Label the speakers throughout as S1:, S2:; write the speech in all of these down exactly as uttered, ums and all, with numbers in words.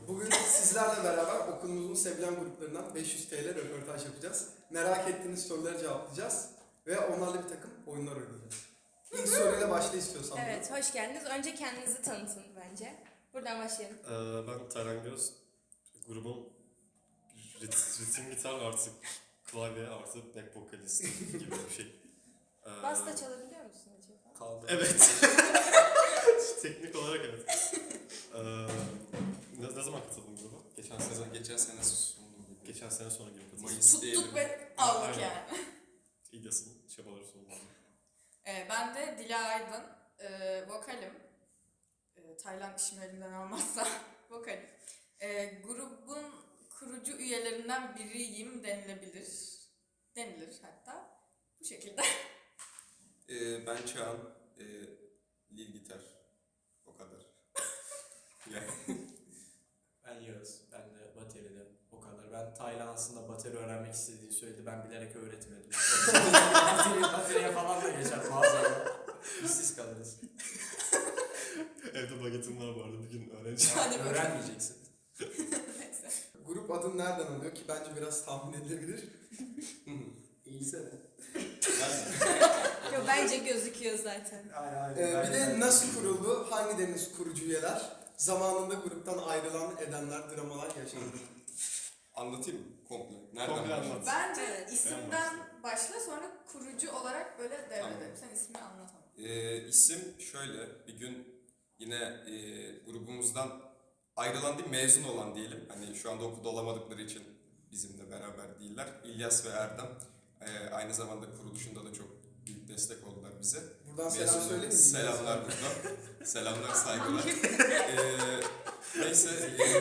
S1: Bugün sizlerle beraber okulumuzun sevilen gruplarından beş yüz T L röportaj yapacağız. Merak ettiğiniz soruları cevaplayacağız ve onlarla bir takım oyunlar oynayacağız. İlk soruyla başla istiyorsan.
S2: Evet, hoş geldiniz. Önce kendinizi tanıtın bence. Buradan başlayalım.
S3: Ee, ben Taylan Göz. Grubun rit- ritim gitar artı klavye artı back vokalist gibi bir şey. Ee,
S2: Bas da çalabiliyor musun acaba?
S3: Kaldı. Evet. Teknik olarak evet. Ee, ne, ne zaman katıldın gruba? Geçen sene.
S4: Geçen sene sonu gibi.
S3: Geçen sene sonu gibi katıldım.
S4: Mayıs diyelim.
S5: Tuttuk ve aldık
S3: Aynen.
S5: yani.
S3: İlyas'ın çabaları sonunda.
S5: Ee, ben de Dila Aydın, ee, vokalim. Ee, Taylan işimi elimden almazsa vokalim. Ee, grubun kurucu üyelerinden biriyim denilebilir. Denilir hatta. Bu şekilde.
S4: Ee, ben Çağan, e, lead gitar. O kadar. Yani.
S6: Ben Yağız. Ben de bateride o kadar. Ben Taylan aslında bateri öğrenmek istediğini söyledi. Ben bilerek öğretmedim. Bateri, bateriye falan da geçer bazen. İşsiz kalırız.
S3: Evde bagetim var bu arada bir gün öğreneceğim.
S5: Hadi bakalım.
S6: Öğrenmeyeceksin.
S5: Neyse.
S1: Grup adın nereden alıyor ki bence biraz tahmin edilebilir.
S6: İyiyse de.
S2: Yok, bence gözüküyor zaten.
S6: Aynen aynen.
S1: Ee, bir de nasıl kuruldu, hangi deniz kurucu üyeler, zamanında gruptan ayrılan edenler, dramalar yaşandı.
S4: Anlatayım mı? Komple. Nereden
S3: Komple
S4: başlayayım?
S3: anlat.
S5: Bence
S2: Evet,
S5: isimden başla, sonra kurucu olarak böyle devredelim.
S4: Tamam.
S5: Sen ismini anlat ama.
S4: Ee, isim şöyle, bir gün yine e, grubumuzdan ayrılan değil, mezun olan diyelim. Hani şu anda okulda olamadıkları için bizimle beraber değiller. İlyas ve Erdem e, aynı zamanda kuruluşunda da çok büyük destek oldular bize.
S1: Buradan selam
S4: Mezun-
S1: söyleyeyim mi?
S4: Selamlar buradan. Selamlar, saygılar. ee, neyse.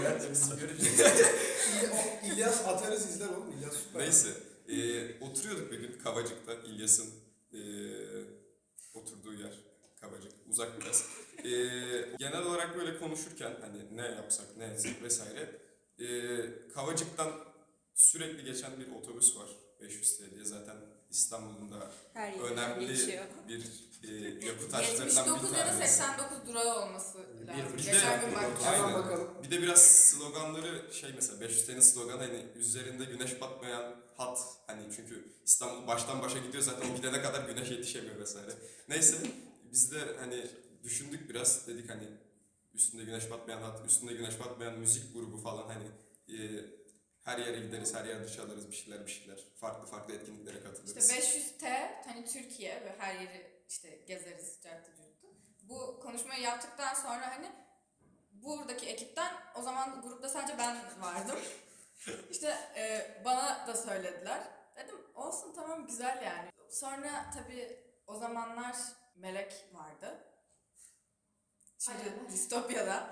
S1: İly- o- İlyas atarız izler oğlum. İlyas süper.
S4: Neyse. ee, oturuyorduk bir gün Kavacık'ta. İlyas'ın ee, oturduğu yer. Kavacık. Uzak biraz. Ee, genel olarak böyle konuşurken hani ne yapsak, ne etsek vesaire. ee, Kavacık'tan sürekli geçen bir otobüs var. beş yüz T diye zaten İstanbul'un da
S2: Her yerden
S4: önemli
S2: geçiyor.
S4: bir ee, yapı taşlarından
S5: yetmiş dokuz
S4: bir
S5: ya da
S4: tanesi.
S5: seksen dokuz durağı olması lazım.
S4: bir de-
S5: Geçen gün baktım.
S1: Hemen
S4: Aynen.
S1: bakalım.
S4: Bir de biraz sloganları şey mesela beş yüz T'nin sloganı hani üzerinde güneş batmayan hat hani çünkü İstanbul baştan başa gidiyor zaten o gidene kadar güneş yetişemiyor vesaire. Neyse biz de hani düşündük biraz dedik hani üstünde güneş batmayan hat, üstünde güneş batmayan müzik grubu falan hani e, her yere gideriz, her yerde çalarız bir şeyler bir şeyler. Farklı farklı etkinliklere katılırız.
S5: İşte beş yüz T hani Türkiye ve her yeri işte gezeriz cartı curtu. Bu konuşmayı yaptıktan sonra hani buradaki ekipten o zaman grupta sadece ben vardım. İşte e, bana da söylediler. Dedim olsun tamam güzel yani. Sonra tabii o zamanlar Melek vardı. Şimdi
S2: Aynen.
S5: Distopya'da.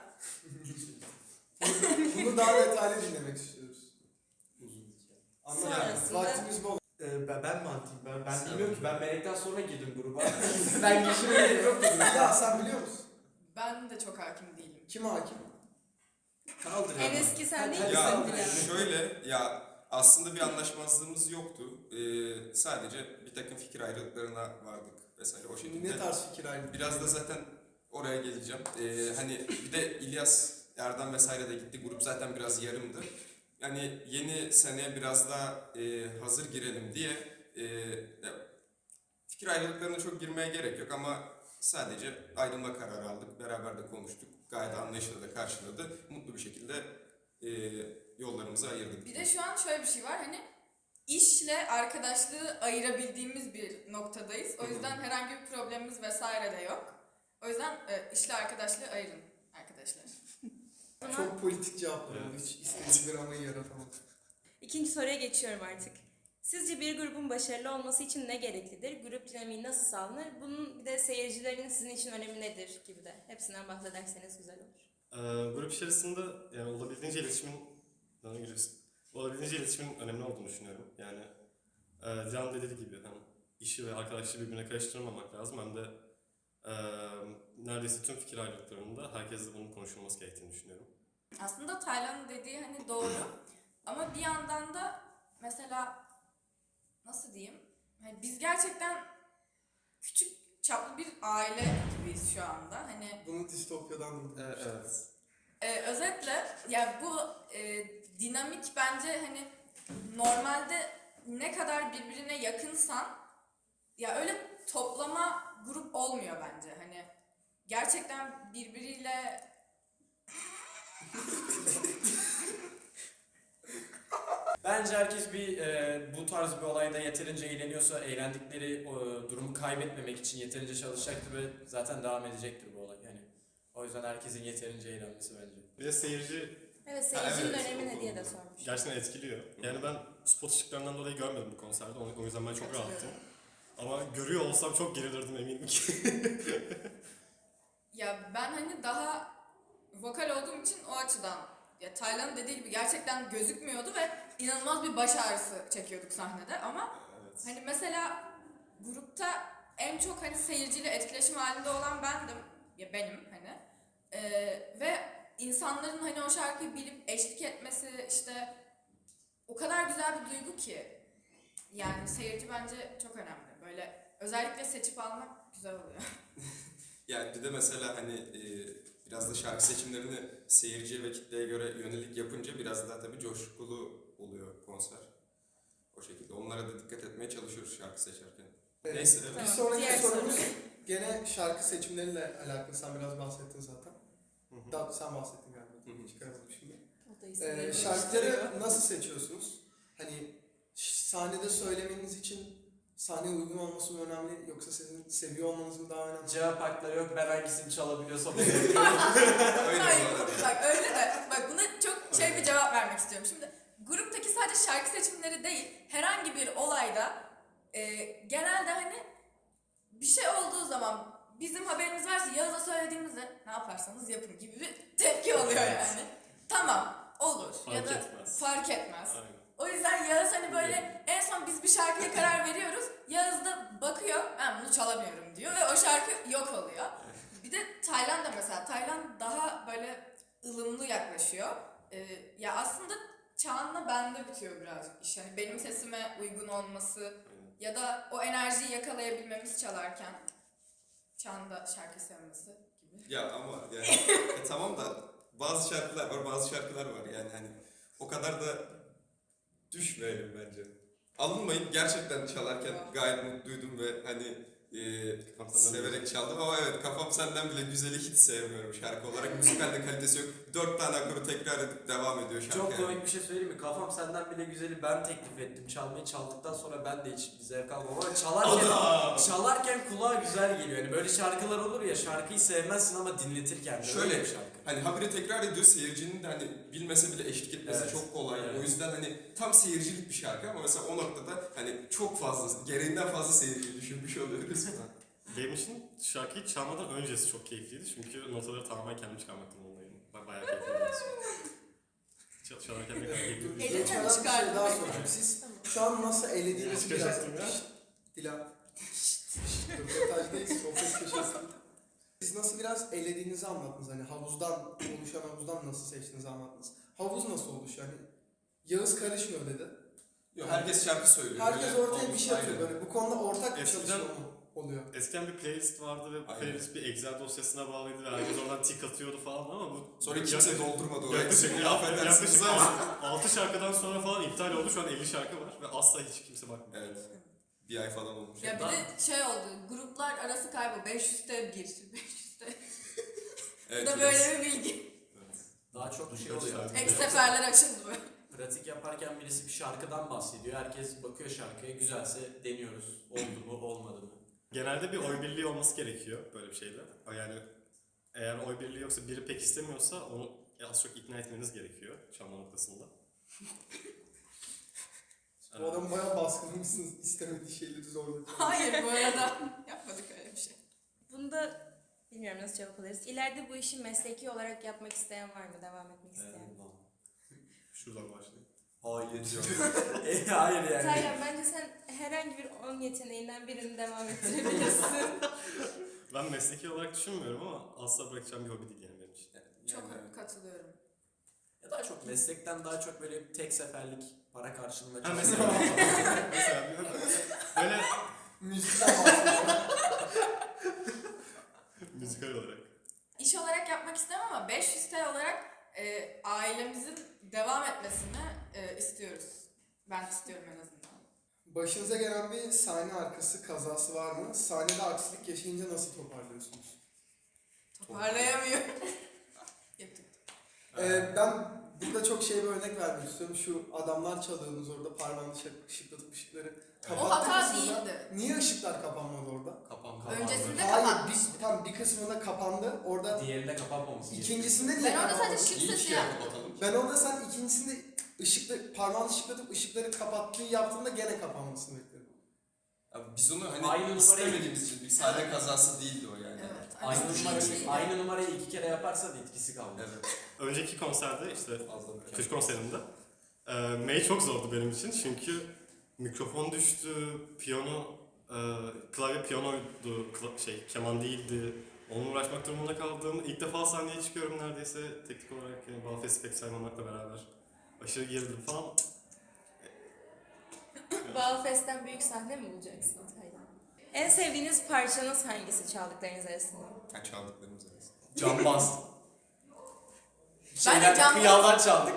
S1: Bunu daha detaylı dinlemek istiyoruz.
S6: Uzun.
S1: Anlat.
S2: Sonrasında-
S1: Vaktimiz bol.
S6: Ee, ben, ben mi anlatayım? Ben, ben
S4: Sen
S6: bilmiyorum ki.
S4: anlat.
S6: Ben Melek'ten sonra girdim gruba. ben girişime gerek yok dedim.
S1: Ya sen biliyor musun?
S5: Ben de çok hakim değilim.
S1: Kim hakim?
S6: Kaldır
S2: En
S6: ya.
S2: eski sen değil
S4: Ya
S2: misin Dilan?
S4: şöyle ya aslında bir anlaşmazlığımız yoktu. Ee, sadece bir takım fikir ayrılıklarına vardık vesaire o şekilde.
S1: Ne tarz fikir ayrılığı?
S4: Biraz da zaten oraya geleceğim. Ee, hani bir de İlyas, Erdem vesaire de gitti. Grup zaten biraz yarımdı. Yani yeni seneye biraz daha e, hazır girelim diye e, ya, fikir ayrılıklarına çok girmeye gerek yok ama sadece ayrılma kararı aldık. Beraber de konuştuk. Gayet anlayışla da karşıladı. Mutlu bir şekilde e, yollarımızı ayırdık.
S5: Bir de şu an şöyle bir şey var hani işle arkadaşlığı ayırabildiğimiz bir noktadayız. O yüzden herhangi bir problemimiz vesaire de yok. O yüzden e, işle arkadaşlığı ayırın arkadaşlar.
S1: Çok politik cevaplar oldu.
S3: Evet.
S1: Hiç istediğim dramayı yaratamadım.
S2: İkinci soruya geçiyorum artık. Sizce bir grubun başarılı olması için ne gereklidir? Grup dinamiği nasıl sağlanır? Bunun bir de seyircilerin sizin için önemi nedir gibi de. Hepsinden bahsederseniz güzel olur.
S3: Ee, grup içerisinde yani olabildiğince iletişimin bana giriyorsun. Olabildiğince iletişimin önemli olduğunu düşünüyorum. Yani e, Can dediği gibi hem işi ve arkadaşlığı birbirine karıştırmamak lazım hem de e, neredeyse tüm fikir ayrılıklarında herkesle bunun konuşulması gerektiğini düşünüyorum.
S5: Aslında Taylan'ın dediği hani doğru ama bir yandan da mesela nasıl diyeyim? Hani biz gerçekten küçük çaplı bir aile gibiyiz şu anda. Hani
S1: Bunu distopyadan duydum.
S3: evet.
S5: Ee, özetle ya bu e, dinamik bence hani normalde ne kadar birbirine yakınsan ya öyle toplama grup olmuyor bence. Hani gerçekten birbiriyle
S6: Bence herkes bir e, bu tarz bir olayda yeterince eğleniyorsa eğlendikleri o, durumu kaybetmemek için yeterince çalışacaktır ve zaten devam edecektir bu olay. Yani o yüzden herkesin yeterince eğlenmesi bence.
S3: Bir de seyirci
S2: Evet, seyircinin
S4: evet.
S2: önemi ne diye de sormuş.
S3: gerçekten etkiliyor. Yani ben spot ışıklarından dolayı görmedim bu konserde. O o yüzden ben çok rahattım. Ama görüyor olsam çok gerilirdim eminim ki.
S5: ya ben hani daha vokal olduğum için o açıdan ya Taylan'ın dediği gibi gerçekten gözükmüyordu ve inanılmaz bir baş ağrısı çekiyorduk sahnede ama
S3: Evet.
S5: hani mesela grupta en çok hani seyirciyle etkileşim halinde olan bendim. Ya benim hani. Ee, ve insanların hani o şarkıyı bilip eşlik etmesi işte o kadar güzel bir duygu ki. Yani seyirci bence çok önemli. Böyle özellikle seçip almak güzel oluyor.
S4: Yani bir de mesela hani e, biraz da şarkı seçimlerini seyirciye ve kitleye göre yönelik yapınca biraz daha tabii coşkulu oluyor konser. O şekilde. Onlara da dikkat etmeye çalışıyoruz şarkı seçerken.
S1: Evet.
S4: Neyse.
S1: Bir
S2: Tamam,
S1: sonraki
S2: diğer
S1: sorumuz
S2: soru.
S1: gene şarkı seçimleriyle alakalı. Sen biraz bahsettin zaten.
S3: Hı hı.
S1: Daha sen bahsettin galiba.
S4: Hı hı.
S1: Çıkaramadım şimdi.
S2: O da
S1: Ee,
S2: isimleri
S1: şarkıları nasıl seçiyorsunuz? Hani ş- sahnede söylemeniz için sahneye uygun olması mı önemli yoksa sizin seviyor olmanız mı daha önemli?
S6: Cevap hakları yok. Ben hangisini çalabiliyorsam onu
S4: Öyle
S5: Hayır,
S4: bu arada.
S5: bak öyle de bak buna çok şey bir cevap vermek istiyorum. Şimdi gruptaki sadece şarkı seçimleri değil, herhangi bir olayda e, genelde hani bir şey olduğu zaman bizim haberimiz varsa Yağız'a söylediğimizde ne yaparsanız yapın gibi bir tepki oluyor yani. Tamam, olur ya
S3: Fark
S5: da
S3: etmez.
S5: fark etmez.
S3: Aynen.
S5: O yüzden Yağız hani böyle en son biz bir şarkıya karar veriyoruz. Yağız da bakıyor ben bunu çalamıyorum diyor ve o şarkı yok oluyor. Bir de Taylan da mesela Taylan daha böyle ılımlı yaklaşıyor. Ee, ya aslında Çağan'la bende bitiyor birazcık iş. Yani benim sesime uygun olması ya da o enerjiyi yakalayabilmemiz çalarken Çağan'ın da şarkı sevmesi gibi.
S4: Ya ama yani e, tamam da bazı şarkılar var, bazı şarkılar var yani hani o kadar da düşmeyelim bence. Alınmayın, gerçekten çalarken gayet mutluydum ve hani e,
S3: Kafam senden
S4: severek çaldım ama evet kafam senden bile güzeli hiç sevmiyorum şarkı olarak. Müzikalde kalitesi yok. Dört tane akoru tekrar edip devam ediyor şarkı.
S6: Çok
S4: yani.
S6: komik bir şey söyleyeyim mi? Kafam senden bile güzeli ben teklif ettim. Çalmayı çaldıktan sonra ben de hiç bir zevk almam ama çalarken, çalarken kulağa güzel geliyor. Yani böyle şarkılar olur ya şarkıyı sevmezsin ama dinletirken de
S4: Şöyle,
S6: öyle bir şarkı.
S4: Hani habire tekrar ediyor seyircinin de hani bilmese bile eşlik etmesi
S6: Evet,
S4: çok kolay.
S6: evet.
S4: O yüzden hani tam seyircilik bir şarkı ama mesela o noktada hani çok fazla, gereğinden fazla seyirciyi düşünmüş oluyoruz.
S3: Benim için şarkıyı çalmadan öncesi çok keyifliydi çünkü notaları tamamen kendim çıkarmaktan dolayı ba- bayağı keyifliydi. Çal çalarken ne kadar keyifli.
S5: Elinden
S1: Geçmeden bir şey
S5: çıkardım.
S1: daha soracağım. Siz şu an nasıl elediğinizi biraz...
S3: Çıkacaktım ya.
S1: Şşt, Dilan. Şşt, röportajdayız, sohbet köşesi. Siz nasıl biraz elediğinizi anlattınız. Hani havuzdan, oluşan havuzdan nasıl seçtiğinizi anlattınız. Havuz nasıl oluşuyor? Hani Yağız karışmıyor dedi.
S4: Yok, herkes şarkı söylüyor.
S1: Herkes
S4: Böyle
S1: ortaya bir
S4: olmuş,
S1: şey atıyor
S4: aynen.
S1: böyle. Bu konuda ortak bir
S3: Eskiden-
S1: çalışma mı oluyor?
S3: Eskiden bir playlist vardı ve bu
S4: Aynen.
S3: playlist bir Excel dosyasına bağlıydı ve herkes oradan tik atıyordu falan ama bu...
S4: Sonra kimse doldurmadı orayı.
S3: Yaklaşık,
S4: Affedersiniz
S3: yaklaşık
S4: ama.
S3: altı şarkıdan sonra falan iptal oldu. Şu an elli şarkı var ve asla hiç kimse bakmıyor.
S4: Evet. Bir ay falan olmuş.
S5: Ya bir de şey oldu, gruplar arası kaybı beş yüzde bir, beş yüzde. Bu
S4: Evet,
S5: da
S4: biraz.
S5: böyle bir bilgi.
S6: Daha çok bir şey
S3: Birkaç
S6: oluyor.
S3: şarkı.
S5: Ek seferler açıldı böyle.
S6: Pratik yaparken birisi bir şarkıdan bahsediyor. Herkes bakıyor şarkıya güzelse deniyoruz. Oldu mu olmadı mı?
S3: Genelde bir oy birliği olması gerekiyor böyle bir şeyde. Yani eğer oy birliği yoksa biri pek istemiyorsa onu az çok ikna etmeniz gerekiyor çalma noktasında.
S1: Bu adam bayağı baskılamışsınız. İstemediği şeyleri zorladı.
S5: Hayır bu arada yapmadık öyle bir şey.
S2: Bunda bilmiyorum nasıl cevap alırız. İleride bu işi mesleki olarak yapmak isteyen var mı? Devam etmek isteyen?
S3: Şuradan başlayayım.
S6: Hayır diyor. e, hayır yani.
S2: Taylan bence sen herhangi bir on yeteneğinden birini devam ettirebilirsin.
S3: Ben mesleki olarak düşünmüyorum ama asla bırakacağım bir hobi değil yani benim için.
S5: Çok
S6: Yani-
S5: katılıyorum.
S6: Ya daha çok meslekten daha çok böyle tek seferlik para karşılığında
S3: Ha
S6: çalışmak.
S3: mesela, mesela bir- böyle
S1: Müzikten bahsediyorum.
S3: müzikal olarak.
S5: iş olarak yapmak istemem ama beş yüz T olarak e, ailemizin devam etmesini e, istiyoruz. Ben istiyorum en azından.
S1: Başınıza gelen bir sahne arkası kazası var mı? Sahnede aksilik yaşayınca nasıl toparlıyorsunuz?
S5: Toparlayamıyor. Yaptık.
S1: Ee, ben burada çok şey bir örnek vermek istiyorum. Şu adamlar çalıyorsunuz orada parmağını şık- ışıklatıp ışıkları
S5: O
S1: kapattı
S5: hata
S1: kısmında.
S5: değildi.
S1: Niye ışıklar kapanmadı orada?
S6: Kapan kapandı.
S5: Öncesinde
S1: Hayır,
S5: kapatmıştı.
S1: bir, tam bir kısmında kapandı. Orada
S6: Diğerinde kapanmaması gerekiyor.
S1: ikincisinde niye
S5: Ben orada
S1: kapanmadı?
S5: sadece şık
S4: İyi
S5: sesi
S4: ki
S5: yaptım.
S4: kapatalım.
S1: Ben orada sen ikincisinde ışıklı, parmağını ışıklatıp ışıkları kapattığı yaptığında gene kapanmasını bekledim.
S4: Abi biz onu hani
S6: Aynı numarayı-
S4: istemediğimiz için bir sahne kazası değildi o yani.
S5: Evet.
S6: Aynı
S5: Hani
S6: numarayı,
S5: bilinçliydi.
S6: aynı numarayı iki kere yaparsa da etkisi kalmaz.
S4: Evet.
S3: Önceki konserde işte
S4: Fazla bir
S3: kış konserinde e, May çok zordu benim için çünkü mikrofon düştü, piyano, e, klavye piyanoydu, kla- şey keman değildi. Onunla uğraşmak durumunda kaldım. İlk defa sahneye çıkıyorum neredeyse teknik olarak yani Balfest'i pek saymamakla beraber. Aşırı gerildim falan.
S2: Balfest'ten büyük sahne mi bulacaksınız? Hayır. En sevdiğiniz parçanız hangisi çaldıklarınız arasında?
S4: Ha, çaldıklarımız arasında.
S6: Cambaz.
S5: Ben de cambaz-
S6: Kıyaldan çaldık.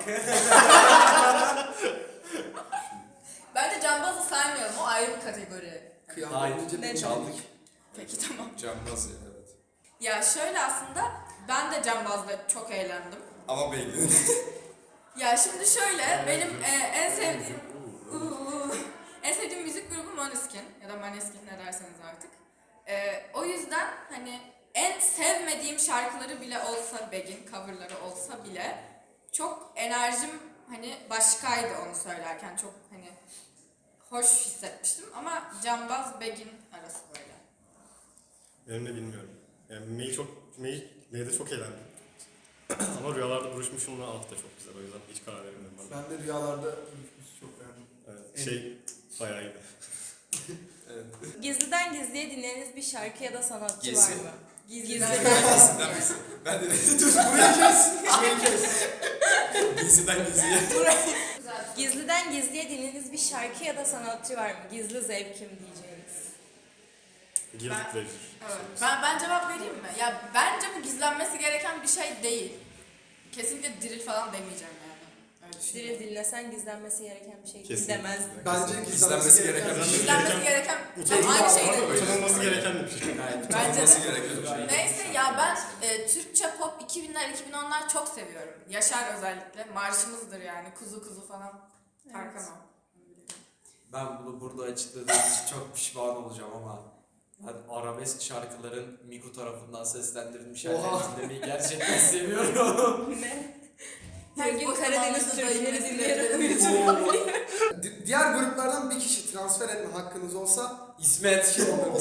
S5: Ben de cambazı saymıyorum. O ayrı bir kategori.
S1: Kıyamet
S6: Hayır,
S1: önce
S2: ne
S1: bir çaldık.
S5: Peki tamam.
S4: Cambaz ya evet.
S5: Ya şöyle aslında ben de cambazla çok eğlendim.
S4: Ama beğendim.
S5: Ya şimdi şöyle benim e, en sevdiğim Uuu. en sevdiğim müzik grubu Måneskin ya da Maneskin ne derseniz artık. E, o yüzden hani en sevmediğim şarkıları bile olsa Begin coverları olsa bile çok enerjim hani başkaydı onu söylerken çok hani hoş hissetmiştim ama cambaz Begin arası böyle.
S3: Benim de bilmiyorum. Yani May çok, May, May'de çok eğlendim. Ama rüyalarda buluşmuşumla alt da çok güzel o yüzden hiç karar veremedim ben.
S1: Ben de rüyalarda uyuşmuş çok beğendim.
S3: Evet, şey bayağı iyiydi.
S4: Evet.
S2: Gizliden gizliye dinlediğiniz bir şarkı ya da sanatçı
S4: Gizli.
S2: var mı?
S5: Gizliden
S4: Gizliden misin? Ben de dur
S1: Burayı kes! Burayı kes!
S4: Gizliden gizliye.
S2: Gizliden gizliye dinlediğiniz bir şarkı ya da sanatçı var mı? Gizli zevkim diyeceğiniz.
S3: Guilty
S5: Ben-
S3: Pleasure.
S5: Evet. Ben, ben cevap vereyim mi? Ya bence bu gizlenmesi gereken bir şey değil. Kesinlikle diril falan demeyeceğim yani. Öyle düşünüyorum.
S2: Diril dinlesen gizlenmesi gereken bir şey değil
S3: Kesinlikle.
S2: demez.
S1: Bence
S4: Gizlenmesi
S1: gizlenmesi
S4: gereken
S1: gereken
S4: bir şey.
S5: Gizlenmesi gereken
S3: Utanılması
S5: aynı şey
S3: var da
S5: değil.
S3: utanılması gereken bir şey.
S6: Gayet
S5: Bence
S4: Olması
S5: de.
S4: gereken bir şey.
S5: Neyse ya ben e, Türkçe pop iki binler iki bin onlar çok seviyorum. Yaşar özellikle. Marşımızdır yani. Kuzu kuzu falan. Tarkan o.
S6: Ben bunu burada açıkladığım için çok pişman olacağım ama ben arabesk şarkıların Miku tarafından seslendirilmiş
S1: Oha.
S6: hallerini dinlemeyi gerçekten seviyorum.
S2: Ne?
S5: Her
S2: Her gün
S5: boş
S2: Karadeniz
S5: zamanınızda
S2: türküleri
S5: dayı
S2: dinleyerek
S5: mesleğleri-
S2: uyuyorum.
S1: Di- Diğer gruplardan bir kişi transfer etme hakkınız olsa
S6: İsmet.
S1: kim olur?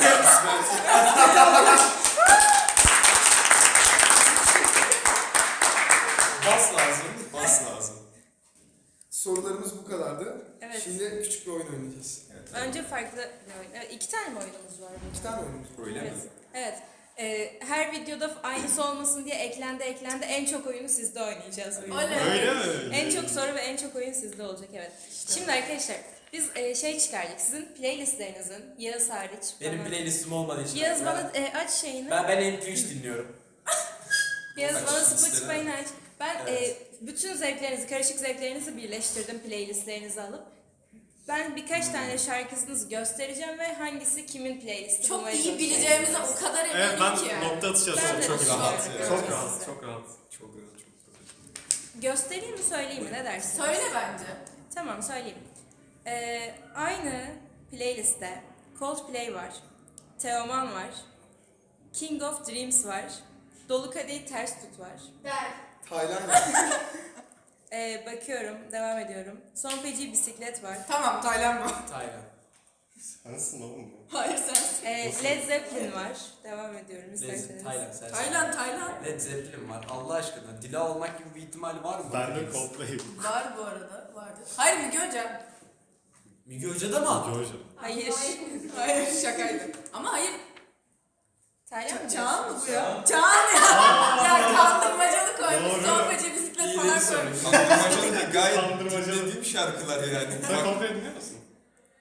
S6: Bas lazım.
S4: Bas lazım.
S1: Sorularımız bu kadardı.
S2: Evet.
S1: Şimdi küçük bir oyun oynayacağız.
S4: Evet.
S2: Önce farklı bir oyun. Evet, iki tane mi oyunumuz var?
S1: İki tane oyunumuz var.
S4: Öyle
S2: Evet.
S4: mi?
S2: Evet. Ee, her videoda aynısı olmasın diye eklendi eklendi. En çok oyunu sizde oynayacağız. bu yüzden.
S5: Oley.
S3: Öyle mi?
S2: En çok soru ve en çok oyun sizde olacak, evet. Şimdi arkadaşlar biz e, şey çıkardık. Sizin playlistlerinizin, Yağız hariç.
S6: Benim
S2: bana-
S6: playlistim olmadığı için.
S2: Yağız
S6: ben,
S2: bana e, aç şeyini.
S6: ben, ben M P üç dinliyorum.
S2: Yağız
S4: Aç
S2: bana
S4: listeleri.
S2: Spotify'ını aç. Ben
S6: Evet.
S2: e, bütün zevklerinizi, karışık zevklerinizi birleştirdim playlistlerinizi alıp. Ben birkaç tane şarkısınızı göstereceğim ve hangisi kimin playlisti
S5: Çok
S2: bulmaya
S5: iyi
S2: çalışacağım.
S5: bileceğimize o kadar eminim
S3: Evet ben
S5: ki.
S3: nokta atışı
S2: Ben
S3: yazıyorum.
S2: de
S3: Çok
S2: düşünüyorum.
S3: rahat.
S4: rahat ya.
S3: Çok
S2: Evet.
S3: rahat. Çok rahat.
S4: Çok güzel, çok güzel.
S2: Göstereyim mi söyleyeyim mi, ne dersiniz?
S5: Söyle bence.
S2: Tamam söyleyeyim. Ee, aynı playlistte Coldplay var, Teoman var, King of Dreams var, Dolu Kadehi Ters Tut var.
S5: Der.
S1: Tayland.
S2: Ee, bakıyorum, devam ediyorum. Son Feci Bisiklet var.
S5: Tamam Taylan bu.
S6: Taylan.
S3: Sensin oğlum bu.
S5: Hayır sensin.
S2: Ee, Led Zeppelin var. Devam ediyorum
S6: Led
S2: isterseniz.
S6: Taylan sen.
S5: Taylan Taylan.
S6: Led Zeppelin var. Allah aşkına. Dila olmak gibi bir ihtimali var mı?
S3: Ben de Coldplay.
S5: Var bu arada. Vardı. Hayır Müge Hoca.
S6: Müge Hoca da mı?
S3: Georgia.
S2: Hayır.
S5: Hayır şakaydı. Ama hayır.
S2: Taylan mı?
S5: Çağan mı bu ya? Çağan ya. Ya kandırmacalı koymuş.
S3: Doğru.
S5: Son Feci Bisiklet
S6: İyi
S5: falan
S6: dedi
S5: koymuş.
S4: Kandırmacalı da gayet
S3: Kandırmacalı.
S4: dinlediğim şarkılar yani.
S3: Sen Coldplay dinliyor musun?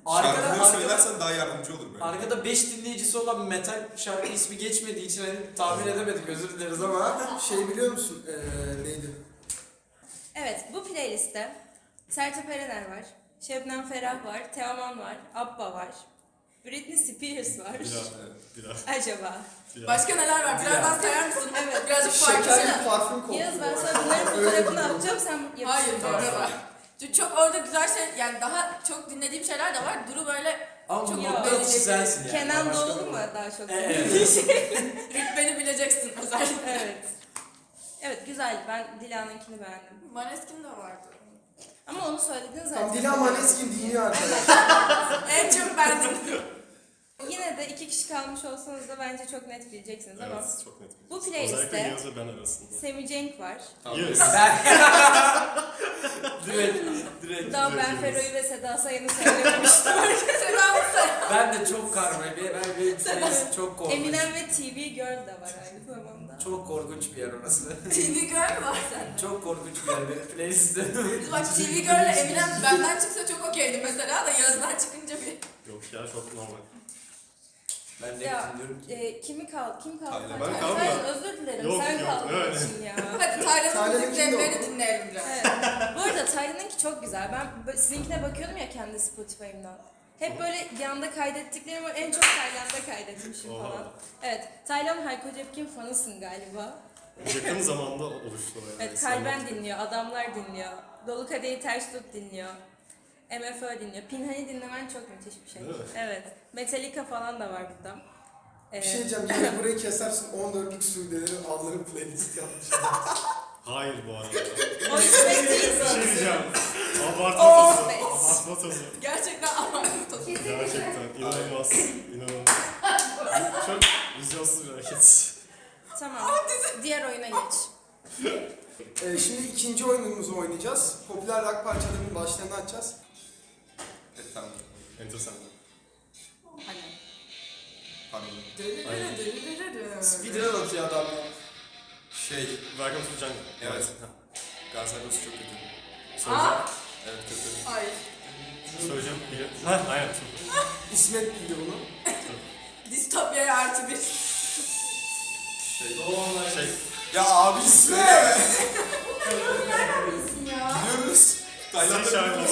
S6: Arkada,
S4: Şarkıları
S6: arkada,
S4: söylersen daha yardımcı olur böyle.
S6: arkada beş dinleyicisi olan metal şarkı ismi geçmediği için hani tahmin edemedik, özür dileriz ama.
S1: Şey biliyor musun? Ee, neydi?
S2: Evet, bu playlistte Sertab Erener var, Şebnem Ferah var, Teoman var, Abba var, Britney Spears var.
S3: Biraz,
S4: Evet.
S3: biraz,
S2: Acaba?
S3: biraz.
S5: Başka neler var? Birazdan sayar mısın?
S2: Evet.
S5: Birazcık farklı.
S1: Şeker bir parfüm kokuyor.
S2: Yaz ben
S1: bu
S2: sana
S1: arada.
S2: bunların
S1: Öyle
S2: fotoğrafını
S1: bir durum.
S2: atacağım, sen yapıştır.
S5: Hayır,
S6: Tamam.
S5: doğru var. Çünkü çok orada güzel şey, yani daha çok dinlediğim şeyler de var. Duru böyle
S6: Ama
S5: Çok
S6: bu
S2: yok.
S6: nokta atışı sensin yani.
S2: Kenan
S6: Başka
S2: Doğulu
S6: bir-
S2: mu daha çok?
S6: Evet.
S5: rütbeni bileceksin özellikle.
S2: Evet. Evet, güzel. Ben Dila'nınkini beğendim.
S5: Maneskin de vardı.
S2: Ama onu söyledin zaten.
S1: Tam Dilan Maneskin dinliyor arkadaşlar.
S5: En çok ben dinledim.
S2: Yine de iki kişi kalmış olsanız da bence çok net bileceksiniz ama
S3: Evet, çok net.
S2: bu
S3: bileceğiz.
S2: playlist'te-
S3: Özellikle Yağız ve ben arasında.
S2: Semih Cenk var.
S4: Tamam.
S3: Yes.
S6: Ben... direkt, direkt.
S2: Daha ben
S3: biliyoruz.
S2: Fero'yu ve Seda Sayan'ı söylememiştim.
S5: Selam sen.
S6: Ben de çok karma, ben, ben, ben çok korkunç.
S2: Eminem ve T V Girl de var aynı zamanda.
S6: Çok korkunç bir yer orası.
S5: T V Girl var sende.
S6: Çok korkunç bir yer benim playlistim.
S5: Biz bak T V Girl'le Eminem benden çıksa çok okeydi mesela da Yağız'dan çıkınca bir...
S3: Yok ya, çok normal.
S6: Ben de
S2: Ya,
S6: dinliyorum ki.
S2: e, kimi kal kim kaldı?
S4: Taylan.
S3: Ben
S2: Sen-
S3: kalmadım.
S2: Özür dilerim.
S3: Yok,
S2: sen
S3: yok,
S2: kaldın
S3: öyle.
S2: için ya.
S5: Hadi Taylan'ın
S1: Taylan'ın
S5: müziklerini
S1: kimdi o?
S5: dinleyelim biraz.
S2: Evet. Bu arada Taylan'ınki çok güzel. Ben bö- sizinkine bakıyordum ya kendi Spotify'ımdan. Hep böyle yanda kaydettiklerimi en çok Tayland'da kaydetmişim
S3: Oha.
S2: falan. Evet. Taylan Hayko Cepkin fanısın galiba.
S3: Yakın zamanda oluştu o yani.
S2: Evet. Kalben dinliyor, Adamlar dinliyor, Dolu Kadehi Ters Tut dinliyor, M F Ö dinliyor. Pinhani dinlemen çok müthiş bir şey.
S3: Değil mi?
S2: Evet. Metallica falan da var burada.
S1: Bir
S2: Ee,
S1: şey diyeceğim. Yine burayı kesersin. on dörtlük Suudilerin adları playlist yapmış.
S3: Hayır bu arada.
S2: O istek değil
S3: Bir şey
S2: mi?
S3: diyeceğim. Abartma tozu.
S2: Evet.
S3: Abartma tozu.
S5: Gerçekten abartı tozu.
S3: Gerçekten inanılmaz. İnanılmaz. Çok vizyonsuz bir hareket.
S2: Tamam. Diğer oyuna geç.
S1: Ee, şimdi ikinci oyunumuzu oynayacağız. Popüler rock parçalarının başlarını açacağız.
S4: Evet, tamam.
S3: Enteresan.
S5: Hani.
S4: Pardon.
S6: Speedrun atıyor adam.
S4: Şey,
S3: Welcome to the Jungle.
S4: Evet.
S3: Ha.
S4: Gaziantep çok kötü.
S3: Söyleyeceğim.
S4: Evet, kötü.
S5: Hayır.
S3: Söyleyeceğim. Bili- Ha, aynen. Çok.
S1: İsmet bildi bunu.
S5: Distopya'ya artı bir.
S4: Şey,
S3: Şey,
S4: ya abi söyleme.
S5: Bilsin ya.
S4: Biliyoruz. Tayland'da
S3: Şey
S4: biliyoruz.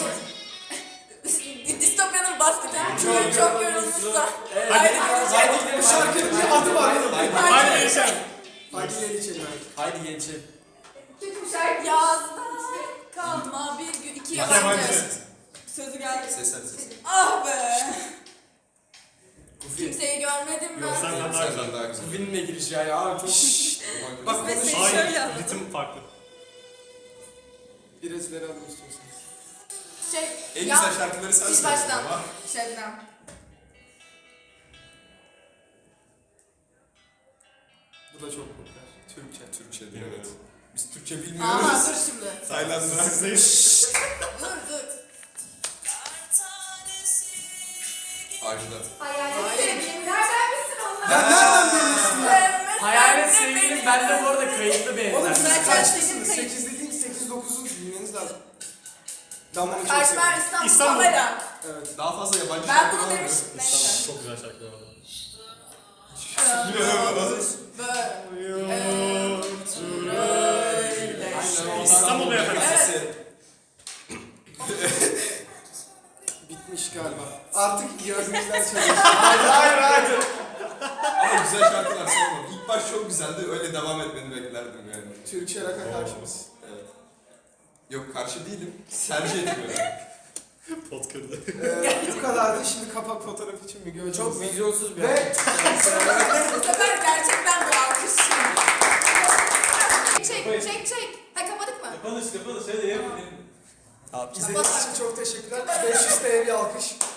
S5: Distopya'nın basketi.
S6: Çok
S5: Çok, çok yorulmuşsa.
S6: Evet,
S5: Haydi,
S6: haydi,
S5: haydi.
S6: haydi gidelim.
S1: Bu şarkının bir adı var oğlum.
S6: Haydi,
S3: Haydi geçelim.
S1: Hadi gel içelim.
S6: haydi geçelim.
S5: Kötü bir şarkı. Yazda kalma bir gün. iki yabancı.
S3: Yabancı.
S5: Sözü geldi.
S4: Ses hadi ses.
S5: Ah be.
S6: Kufi.
S5: Kimseyi görmedim
S3: Yok,
S5: ben.
S3: senden daha güzel.
S4: Senden daha güzel.
S6: Kufi'nin de girişi yani abi çok...
S1: Bak
S2: Ve
S1: konuş.
S2: seni şöyle
S3: Hayır,
S2: alalım.
S3: ritim farklı.
S1: Biraz ileri alın istiyorsanız.
S5: Şey,
S4: En
S5: ya,
S4: güzel şarkıları sen
S5: Sil
S4: söylüyorsun
S5: baştan.
S4: ama.
S5: Şebnem.
S1: Bu da çok popüler. Türkçe.
S4: Türkçe değil,
S3: Bilmiyorum.
S4: evet. Biz Türkçe
S5: Aha
S4: bilmiyoruz.
S5: dur şimdi.
S4: Tayland'da.
S3: Sizdeyiz.
S5: Dur dur.
S4: Ajda.
S5: Hayalet sevgilim. Nereden bilsin onlar?
S1: Ya nereden biliyorsun ya?
S5: Sevmesen
S6: Hayalet
S5: de
S6: sevgilim
S5: beni.
S6: bende bu arada kayıtlı bir
S1: Oğlum
S6: evden.
S1: siz
S5: Zaten
S1: kaçlısınız?
S5: senin kayıt-
S1: sekiz dediğim sekiz dokuzu bilmeniz lazım. Ben bunu çok
S5: Karşıma
S1: seviyorum.
S5: İstanbul.
S3: İstanbul.
S5: Kamera.
S1: Evet.
S4: Daha fazla yabancı
S5: Ben
S4: şarkı
S5: bunu
S4: var mı?
S5: demiştim. Neyse.
S3: Çok güzel şarkılar var.
S5: Böyle.
S3: İstanbul Beyefendi.
S4: Sesi.
S1: Bitmiş galiba. Artık yazımızdan çalışıyor. Hayır hayır hayır.
S4: Ama güzel şarkılar sormadım. İlk baş çok güzeldi. Öyle devam etmeni beklerdim yani.
S1: Türkçe rock'a karşımız.
S4: Evet. Yok, karşı değilim. Tercih etmiyorum.
S3: Pot kırdı.
S1: Ee, bu kadardı. Şimdi kapak fotoğraf için bir göreceğiz.
S6: Çok vizyonsuz bir
S1: Ve
S6: hareket.
S5: Bu sefer gerçekten bir alkış. Çek çek çek. Ha kapadık mı?
S7: Kapanış kapanış hadi yapın.
S1: izlediğiniz için çok teşekkürler. beş yüz T L bir alkış.